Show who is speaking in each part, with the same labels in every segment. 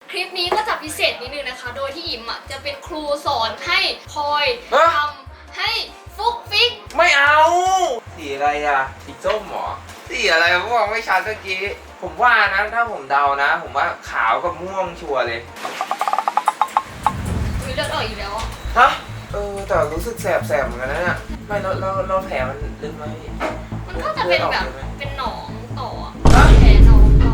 Speaker 1: คลิปนี้ก็จะพิเศษนิดนึงนะคะโดยที่อิมจะเป็นครูสอนให้พลอยทำให้ฟุกฟิก
Speaker 2: ไม่เอาสีอะไรอะสีส้มหรอสีอะไรผมบอกไม่ชัดเมื่อกี้ผมว่านะถ้าผมเดานะผมว่าขาวกับม่วงชัวร์เลย
Speaker 1: มีเลือดออกอีกแล้ว
Speaker 2: ฮะแต่รู้สึกแสบเหมือนกันนะเนี่ยไม่เราแผลมันลึกไหม
Speaker 1: มันก็จะเป็นแบบเป็นหนองต่อแผลหนองต่อ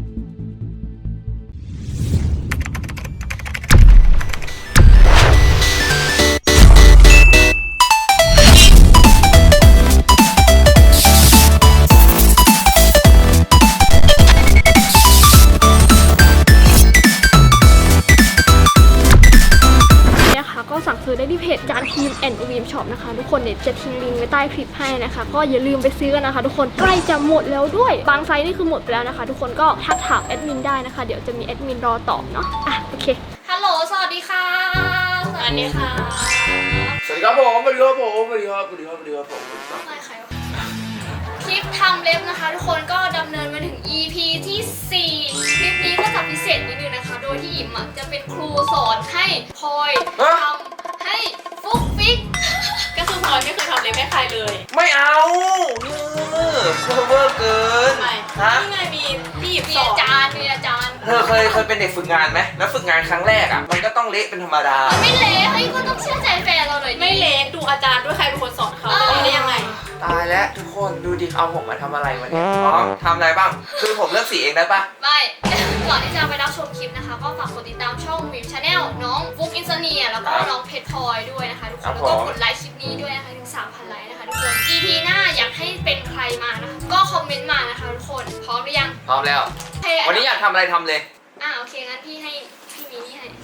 Speaker 1: สั่งซื้อได้ที่เพจจานทีมแอนด์วีมช็อปนะคะทุกคนเนี่ยจะทิ้งลิงก์ไว้ใต้คลิปให้นะคะก็อย่าลืมไปซื้อกันนะคะทุกคนใกล้จะหมดแล้วด้วยบางไซส์นี่คือหมดไปแล้วนะคะทุกคนก็ทักถามแอดมินได้นะคะเดี๋ยวจะมีแอดมินรอตอบเนาะโอเคฮัลโหลสวัสดีค่ะสวัสดีค่ะ
Speaker 2: สวัสดีครับผมสวัสดีครับผมสวัสดีครับสวัสดีครับสวัสดีครับผม
Speaker 1: ไม่ใครวะคลิปทำเล็บนะคะทุกคนก็ดำเนินมาถึง EP ที่4คลิปนี้ก็จะพิเศษนิดนึงนะคะโดยที่อิมจะเป็นครูสอนให้พลอยทำให้ฟุกฟิก
Speaker 3: ก็คือพลอยไม่เคยทำเล็บให้ใครเลย
Speaker 2: ไม่เอาเวอร์เกิน
Speaker 3: ฮะนี่ไงมีพี่หยิบสอน
Speaker 1: อาจารย์
Speaker 2: เธอเคยเป็นเด็กฝึกงานไหมแล้วฝึกงานครั้งแรกอ่ะมันก็ต้องเละเป็นธรรมดา
Speaker 1: ไม่เละเฮ้ยก็ต้องเชื่อใจแฟนเราหน่อย
Speaker 3: ไม่เละดูอาจารย์ด้วยใครเป็นคนสอนเขาได้ยังไง
Speaker 2: ตายแล้วทุกคนดูดิเอาผมมาทำอะไรวะเนี่ยทำอะไรบ้างคือผมเลือกสีเองได้ปะ
Speaker 1: ไม่ก่อนที่จะไปรับชมคลิปนะคะก็ฝากกดติดตามช่องวิมชาแนลน้องฟุกอินเซเนียแล้วก็น้องเพชรพลอยด้วยนะคะทุกคนแล้วก็กดไลค์คลิปนี้ด้วยนะคะถึง 3,000 ไลค์นะคะทุกคน EP หน้าอยากให้เป็นใครมานะคะก็คอมเมนต์มานะคะทุกคนพร้อมหรือยัง
Speaker 2: พร้อมแล้ววันนี้อยากทำอะไรทำเลย
Speaker 1: โอเคงั้นพี่ให้พี่มีนี่ให้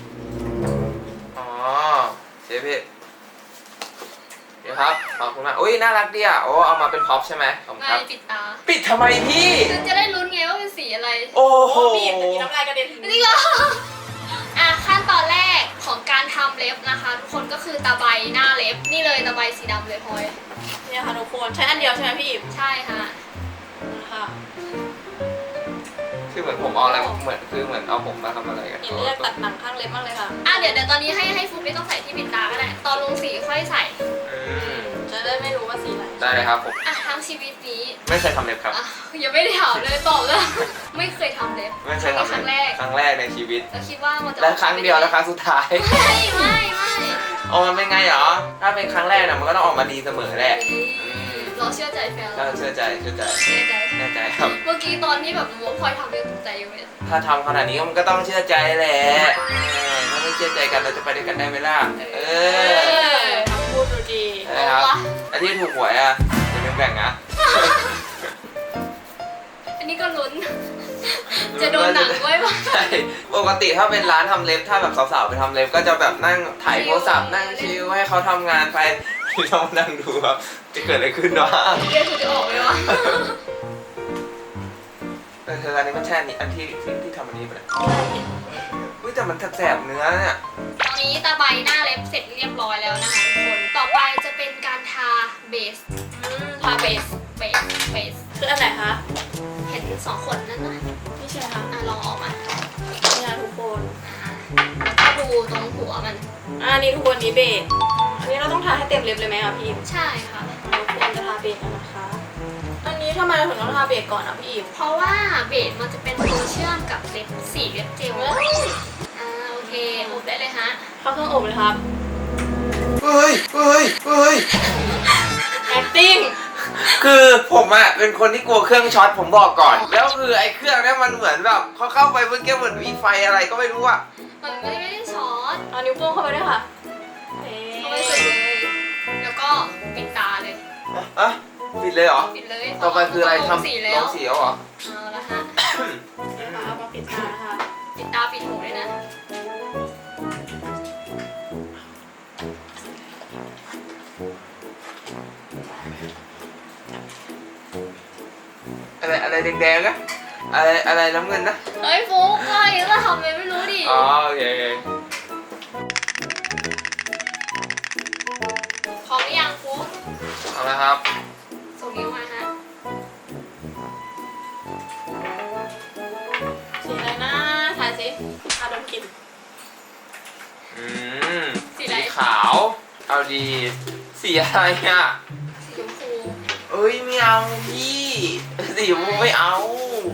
Speaker 2: เชฟพี่เดี๋ยวครับขอบคุณมากอุ้ยน่ารักดีอ่ะโอ้เอามาเป็นพ็อปใช่ไหมผมครับ
Speaker 1: ปิดตา
Speaker 2: ปิดทำไมพี่
Speaker 1: จะได้ลุ้นไงว่าเป็นสีอะไร
Speaker 2: โอ้โห
Speaker 3: บีบแต่มีน้ำลายกระเด็นถึง
Speaker 1: นี่เหรอขั้นตอนแรกของการทำเล็บนะคะทุกคนก็คือตะไบหน้าเล็บนี่เลยตะไบสีดำเลยพลอย
Speaker 3: เนี่ยค่ะทุกคนใช้อันเดียวใช่ไหมพี่อิ๋ม
Speaker 1: ใช่ค่ะ
Speaker 3: นะคะ
Speaker 2: คือเหมือนผมเอาอะไรเหมือนเอาผมมาทำอะไรกัน
Speaker 3: อิ๋มเลือกตัดหนังข้างเล็บมากเลยค่ะ
Speaker 1: เดี๋ยวตอนนี้ให้ฟุกไม่ต้องใส่ที่ปิดตาก็ได้ตอนลงสีค่อยใส่
Speaker 3: จะได้ไม่รู้ว่าสีอะไร
Speaker 2: ได้เลยครับผม
Speaker 1: ทั้งชีวิตนี้
Speaker 2: ไม่เคยทำเล็บครับ
Speaker 1: ยังไม่ได้ถามเลยตอบเลยไม่เคยทำเล็บ
Speaker 2: ไม่เคยทำครั้งแรกในชีวิต
Speaker 1: แล้วคิดว่ามันจะ
Speaker 2: และครั้งเดียวและครั้งสุดท้าย
Speaker 1: ไม่
Speaker 2: มันเป็นไงเหรอถ้าเป็นครั้งแรกน่ะมันก็ต้องออกมาดีเสมอแหละ
Speaker 1: เราเชื่อใจแฟน
Speaker 2: เราเชื่อใจแน่ใจครับ
Speaker 1: เมื่อกี้ตอนที่แบบรู้ว่าพลอยทำเรื่องตกใจอยู่เลย
Speaker 2: ถ้าทำขนาดนี้มันก็ต้องเชื่อใจแหละถ้าไม่เชื่อใจกันเราจะไปด้วยกันได้ไหมล่ะ
Speaker 3: ทำพูดดูดี
Speaker 2: นะครับอันที่ถูกหวยอย่าลืมแบ่งนะ
Speaker 1: อันนี้ก็ลุ้นจะโดนหนังไว้ป่ะ
Speaker 2: ใช่ปกติถ้าเป็นร้านทำเล็บถ้าแบบสาวๆไปทำเล็บก็จะแบบนั่งถ่ายโทรศัพท์นั่งชิลให้เขาทำงานไปที่เรานั่งดูครับจะเกิดอะไรขึ้นวะ
Speaker 1: เดี๋ยวจะออกไหมวะ
Speaker 2: เธออันนี้มันแช่อันที่ทำอันนี้ไปเลยอุ้ยแต่มันแสบเนื้อเนี่ย
Speaker 1: ตอนนี้ตาใบหน้าเล็บเสร็จเรียบร้อยแล้วนะคะทุกคนต่อไปจะเป็นการทาเบส
Speaker 3: ทาเบสคืออันไหนคะ
Speaker 1: เห็น2 ขนนั่นนะ
Speaker 3: นี่ใช่ค่ะ
Speaker 1: ลองออกมา
Speaker 3: นี่นะทุกคน
Speaker 1: แล้วก็ดูตรงหัวมัน
Speaker 3: นี่ทุกคนนี้เบสอันนี้เราต้องทาให้เต็มเล็บเลยไหมคะพี่อิ๋ม
Speaker 1: ใช่ค่ะ
Speaker 3: ทุกคนจะทาเบสกันนะคะอันนี้ทำไมเราถึงต้องทาเบสก่อนพี่อิ๋ม
Speaker 1: เพราะว่าเบสมันจะเป็นตัวเชื่อมกับเล็บสีเล็บเจลโอเคอบได้เลยฮะ
Speaker 3: เข้าเครื่องอบเลยครับ
Speaker 2: เฮ้ย
Speaker 3: acting
Speaker 2: คือผมเป็นคนที่กลัวเครื่องช็อตผมบอกก่อนแล้วคือไอ้เครื่องนี้มันเหมือนแบบเขาเข้าไปเมื่อกี้เหมือนมีไฟอะไรก็ไม่รู้
Speaker 1: มันไม่ได้ช็อต
Speaker 3: เอานิ้วโป้งเข้าไปด้วยค่ะ
Speaker 1: เข้าไปสุดเลยแล้วก็ปิดตาเลย
Speaker 2: ปิดเลยเหรอ
Speaker 1: ปิดเลย
Speaker 2: ต่อไปคืออะไรทำ
Speaker 1: สีแล้ว
Speaker 2: เหรอ
Speaker 1: เอาละฮะ
Speaker 3: เอามาปิดตาค่ะ
Speaker 1: ปิดตาปิดหูเลยนะ
Speaker 2: อะไรแดงๆนะอะไรน้ำเงินนะ
Speaker 1: เฮ้ยฟุกก็ยังจะทำอะไรไม่รู้ดิ
Speaker 2: โอเค
Speaker 1: พร้อมหรือยังฟุก
Speaker 2: เอาละครับ
Speaker 1: ส่งนิ้วมาฮะ
Speaker 3: สีอะไรนะถ่ายสิดม
Speaker 2: เอาดีสีอะไรอ่ะ
Speaker 3: สีชมพู
Speaker 2: เอ้ยไม่เอาพี่สีชมพูไม่เอา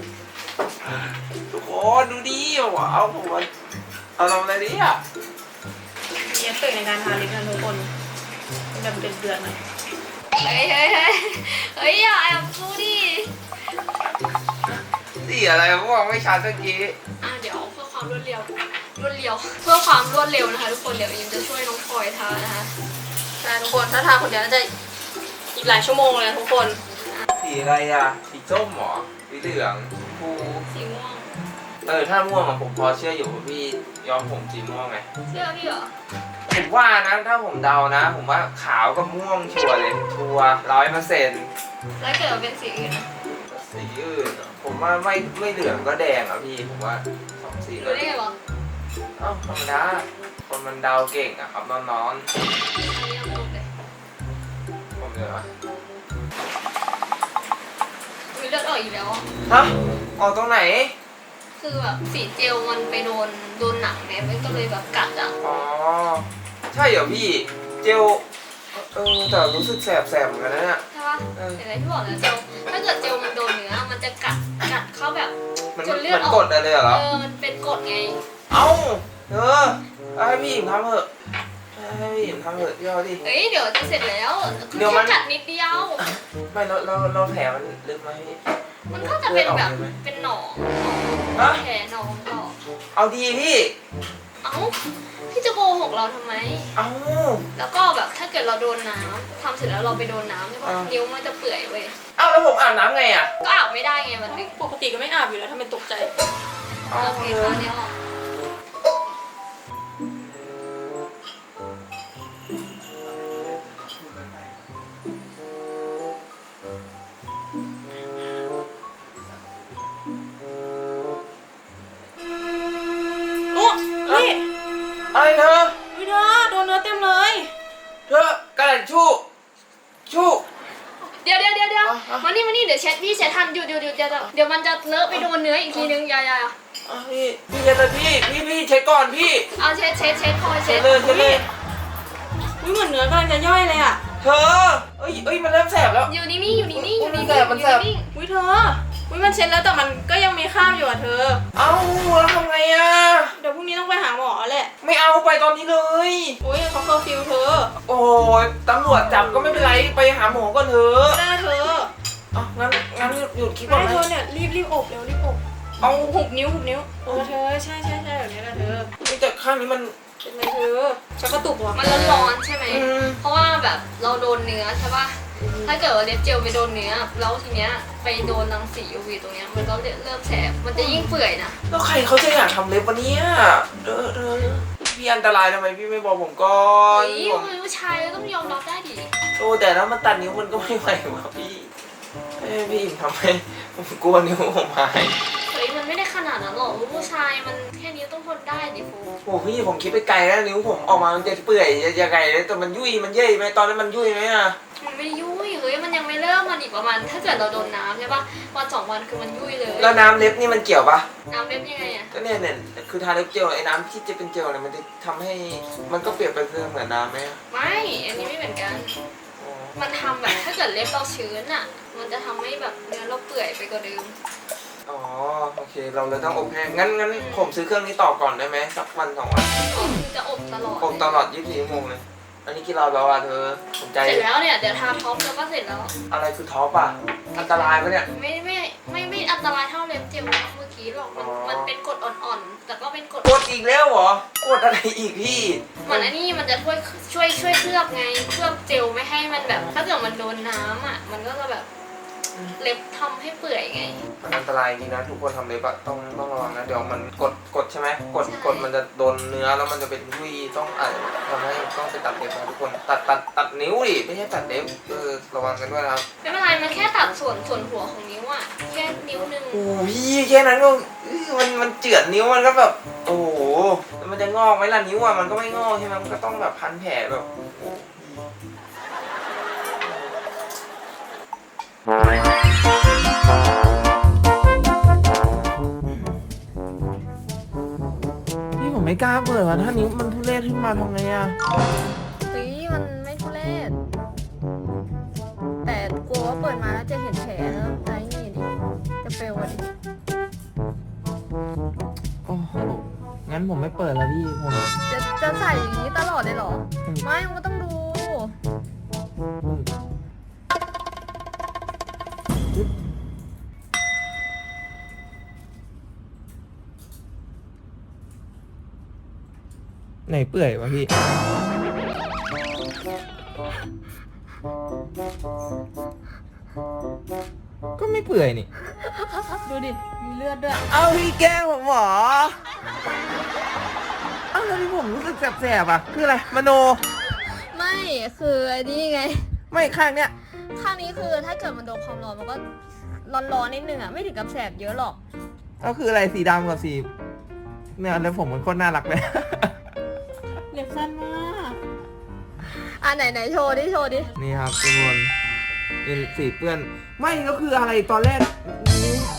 Speaker 2: ทุกคนดูดิว้าวผมว่าเอาทำอะไรดีอ่ะ
Speaker 3: มีเอฟเฟกต์ในการทาลิปนะทุกคนเป็นแบบเดือดๆหน่อย
Speaker 1: เฮ้ยเฮ้ยเฮ้ยเฮ้ยอย่าแอบดูดิ
Speaker 2: สีอะไรผมบอกไม่ชัดเมื่อกี้
Speaker 1: เดี๋ยวเพื่อความรวดเร็วเพื่อความรวดเร็วนะคะทุกคนเดี๋ยวยิมจะช่วยน้องพลอยทานะคะ
Speaker 3: ใช่ทุกคนถ้าทาคนเดียวน่าจะอีกหลายชั่วโมงเลยทุกคน
Speaker 2: สีอะไรอ่ะสีส้มเหรอสีเหลืองชมพู
Speaker 1: สีม่วง
Speaker 2: ถ้าม่วงอะผมพอเชื่ออยู่ว่าพี่ย้อมผมสีม่วงไง
Speaker 1: เชื่อพี่เหรอ
Speaker 2: ผมว่านะถ้าผมเดานะ ผมว่าขาวกับม่วงชัวร์เลยชัวร์100%
Speaker 1: แล้วเกิดมาเป็นสีอื่นนะ
Speaker 2: สีอื่นอะผมว่าไม่เหลืองก็แดงอ่ะพี่ผมว่าสองสีก็
Speaker 1: รู้ได้ไงวะ
Speaker 2: เอ้าธรรมดาคนมันเดาเก่งอ่ะครับน้อง
Speaker 1: อันนี้ยังไม่รู้เลย
Speaker 2: ๆผมเลยวะ
Speaker 1: มีเลือดออกอีกแล้วอะ
Speaker 2: ฮะออกตรงไหน
Speaker 1: คือแบบสีเจลมันไปโดนหนังเนี่ยมันก็เลยแบบกัดอ่ะ
Speaker 2: อ๋อใช่เหรอพี่เจลแต่รู้สึกแสบเหมือนกันนะเนี่ย
Speaker 1: ใช่ปะเห็นไหมที่บอกแล้วเจลถ้าเกิดเจลมันโดนเนื้อมันจะกัดเข้าแบบ
Speaker 2: มัน
Speaker 1: จนเลื
Speaker 2: เห
Speaker 1: อ
Speaker 2: มื
Speaker 1: ด
Speaker 2: อน
Speaker 1: ออก
Speaker 2: กดอะไรเหรอ
Speaker 1: มันเป็นกรดไง
Speaker 2: เอ้าให้พี่หญิงทำเถอะให้พี่หญิงทำเถอะพี่เอาดิ
Speaker 1: เฮ้ยเดี๋ยวจะเสร็จแล้ว
Speaker 2: เดี๋ยวมัน
Speaker 1: แค่กัดนิดเดียว
Speaker 2: ไม่เราแผลมันลึกไหมพี่
Speaker 1: มันก็จะเป็นแบบ
Speaker 2: ลือดออกลยไหม
Speaker 1: เป็นหนอง
Speaker 2: ฮะ
Speaker 1: แผลหนองหรอก
Speaker 2: เอาดีพี่
Speaker 1: เอ้าพี่จะโกหกเราทำไม
Speaker 2: เอ้า
Speaker 1: แล้วก็แบบถ้าเกิดเราโดนน้ำทำเสร็จแล้วเราไปโดนน้ำใช่ปะ
Speaker 2: อ่า
Speaker 1: นิ้วมันจะเปื่อยเว้ย
Speaker 2: เอ้าแล้วผมอาบน้ำไงอ่ะ
Speaker 1: ก็อาบไม่ได้ไงมันไม่
Speaker 3: ปกติก็ไม่อาบอยู่แล้วทำเป็นตกใจ
Speaker 1: โอเคตอนนี้ออก
Speaker 3: โอ้นี่
Speaker 2: อะไรเธอ
Speaker 3: วิเธอโดนเนื้อเต็มเลย
Speaker 2: เธอกระดาษชู่
Speaker 1: เดี๋ยว
Speaker 2: อ่ะ
Speaker 1: มานี่เดี๋ยวพี่เช็ดทันหยุดเดี๋ยวมันจะเลอะไปโดนเนื้ออีกทีนึงอย่า
Speaker 2: พี่เช็ดเลยพี่เช็ดก่อนพี่
Speaker 1: เอาเช็ดคอย
Speaker 2: เช็
Speaker 1: เช็
Speaker 2: ด
Speaker 1: ด
Speaker 2: เลยเช็ดเลย
Speaker 3: วิเหมือนเนื้อกำลังจะย่อยเลยอ่ะ
Speaker 2: เธอเอ้ยมันเริ่มแสบแล้ว
Speaker 1: อยู่นิ่งๆอยู่นิ่งๆอยู่นิ่ง
Speaker 2: มันแสบ
Speaker 1: นิ่ง
Speaker 3: วิเธอวิมันเช็ดแล้วแต่มันก็ยังมีคราบอยู่อ่ะเธอ
Speaker 2: เอ้าแล้วทำไงอ่ะ
Speaker 3: เดี๋ยวพรุ่งนี้ต้องไปหาหมอแหละ
Speaker 2: ไม่เอาไปตอนนี้เลย
Speaker 3: อุ้ยเขาเคอร์ฟิวเธอ
Speaker 2: โอ้ยตำรวจจับก็ไม่เป็นไรไปหาหมอก่อนเถอะ
Speaker 3: ไม่ได้เธอ
Speaker 2: งั้นหยุดคลิปก่อน
Speaker 3: ไม่
Speaker 2: ไหม
Speaker 3: เธอเนี่ยรีบอบเร็วรีบอบ
Speaker 2: เอา
Speaker 3: หุบนิ้วเธอใช่แบบนี้แหละเธอ
Speaker 2: แต่ข้างนี้มัน
Speaker 3: เป็นไรเธอชักกระตุกเหรอ
Speaker 1: ๆมันร้อนๆใช่ไหม
Speaker 2: อืม
Speaker 1: เพราะว่าแบบเราโดนเนื้อใช่ป่ะถ้าเกิดว่าเล็บเจลไปโดนเนื้อแล้วทีเนี้ยไปโดนรังสี UV ตรงเนี้ยมันก็เริ่มแสบมันจะยิ่งเปื่อยนะ
Speaker 2: แล้วใครเขาจะอยากทำเล็บวันนี้พี่อันตรายทำไมพี่ไม่บอกผมก่อน
Speaker 1: เฮ้ย
Speaker 2: ผม
Speaker 1: มันผู้ชายเราต้องยอมรับได้ดิ
Speaker 2: โอ้แต่ถ้ามันตัดนิ้วมันก็ไม่ไหวว่ะพี่พี่ทำไมผมกลัวนิ้วผมหาย
Speaker 1: เฮ้ยมันไม่ได้ขนาดนั้นหรอกผู้ชายมันแค่นี้ต้องทนได้ดิฟู
Speaker 2: โอ้พี่ผมคิดไปไกลแล้วนิ้วผมออกมามันจะเปื่อยจะไงแต่มันยุ่ยมันเย่ยไหมตอนนั้นมันยุ่ยไหมอ่ะ
Speaker 1: มันไม่ยุ่ยเฮ้ยมันยังไม่เริ่มมันอีกประมาณถ้าเกิดเราโดนน้ำใช่ป่ะวัน2 วันคือมันยุ่ยเลย
Speaker 2: แล้วน้ำเล็บนี่มันเกี่ยวปะ
Speaker 1: น้ำเล็บยังไงอะ
Speaker 2: ก็เนี่ยคือทาเล็บเจลไอ้น้ำที่จะเป็นเจลเนี่ยมันจะทำให้มันก็เปรียบไปเหมือนน้ำไหม
Speaker 1: ไม่อันนี้ไม่เหมือนกัน มันทำแบบถ้าเกิดเล็บเราชื้นอ่ะ มันจะทำให้แบบเนื้อเราเปื่อยไปกว่าเดิม
Speaker 2: อ๋อโอเคเราเลยต้องอบแห้งงั้นผมซื้อเครื่องนี้ต่อก่อนได้ไหมสักวัน2 วัน
Speaker 1: ก็คือจะอบตลอด
Speaker 2: อบตลอด24 ชั่วโมงเลยอันนี้กี่รอบแล้วอ่ะเธอสนใจ
Speaker 1: เสร็จแล้วเนี่ยเดี๋ยวทาท็อปแล้วก็เสร็จแล้ว
Speaker 2: อะไรคือท็อปอ่ะอันตรายปะเนี่ย
Speaker 1: ไม่อันตรายเท่าเล็บเจลเมื่อกี้หรอกมันเป็นกรดอ่อนๆแต่ก็เป็นกรด
Speaker 2: กดอีกแล้วเหรอกดอะไรอีกพี่
Speaker 1: เหมือนอันนี้มันจะช่วยเคลือบไงเคลือบเจลไม่ให้มันแบบ ถ้าเกิดมันโดนน้ำอ่ะมันก็จะแบบเล็บทำให้เปื่อยไง
Speaker 2: มันอันตรายจริงนะทุกคนทำเล็บอะต้องระวังนะเดี๋ยวมันกดใช่ไหมกด
Speaker 1: ใช่
Speaker 2: กดมันจะโดนเนื้อแล้วมันจะเป็นยุ่ยต้องทำให้ต้องไปตัดเล็บนะทุกคนตัดนิ้วดิไม่ใช่ตัดเล็บระวังกันด้วยนะครับ
Speaker 1: ไม่เป็นไรมันแค่ตัดส่วนหัวของนิ้วอ่ะแค่นิ้วนึง
Speaker 2: โอ้พี่แค่นั้นก็มันเจือดนิ้วมันก็แบบโอ้โหแล้วมันจะงอกไหมล่ะนิ้วอะมันก็ไม่งอกใช่ไหมมันก็ต้องแบบพันแผลแบบโอ้นี่ผมไม่กล้าเปิดว่ะถ้านิ้วมันทุเรศขึ้นมาทำไงอะ
Speaker 1: เฮ้ยมันปิดมาแล้วจะเห็นแผลแล้วอะไรนี่ดิจะเฟลอ่ะดิ
Speaker 2: โอ้โหงั้นผมไม่เปิดแล้วพี่ผม
Speaker 1: จะใส่อย่างนี้ตลอดเลยเหรอ ไม่มันต้องดู
Speaker 2: ไหนเปื่อยวะพี่ ก็ไม่เปื่อยนี่
Speaker 3: ดูดิ มีเลือดด้วย
Speaker 2: เอาพี่แกล้งผมเหรอเอาแล้วที่ผมรู้สึกแสบๆอ่ะ คืออะไรมโน
Speaker 1: ไม่คือไอ้นี่ไง
Speaker 2: ไม่ข้างเนี้ย
Speaker 1: ข้างนี้คือถ้าเกิดมันโดนความร้อนมันก็ร้อนๆนิดนึงอ่ะไม่ถึงกับแสบเยอะหรอก
Speaker 2: ก็คืออะไรสีดำกับสีเนี่ยแล้วผมมันโคตรน่ารักเลย
Speaker 3: เล็บสั้นมาก
Speaker 1: อ่ะไหนโชว์ดิ
Speaker 2: นี่ครับทุกคนเป็นสีเปื้อน ไม่ก็คืออะไรตอนแรกนิ้ว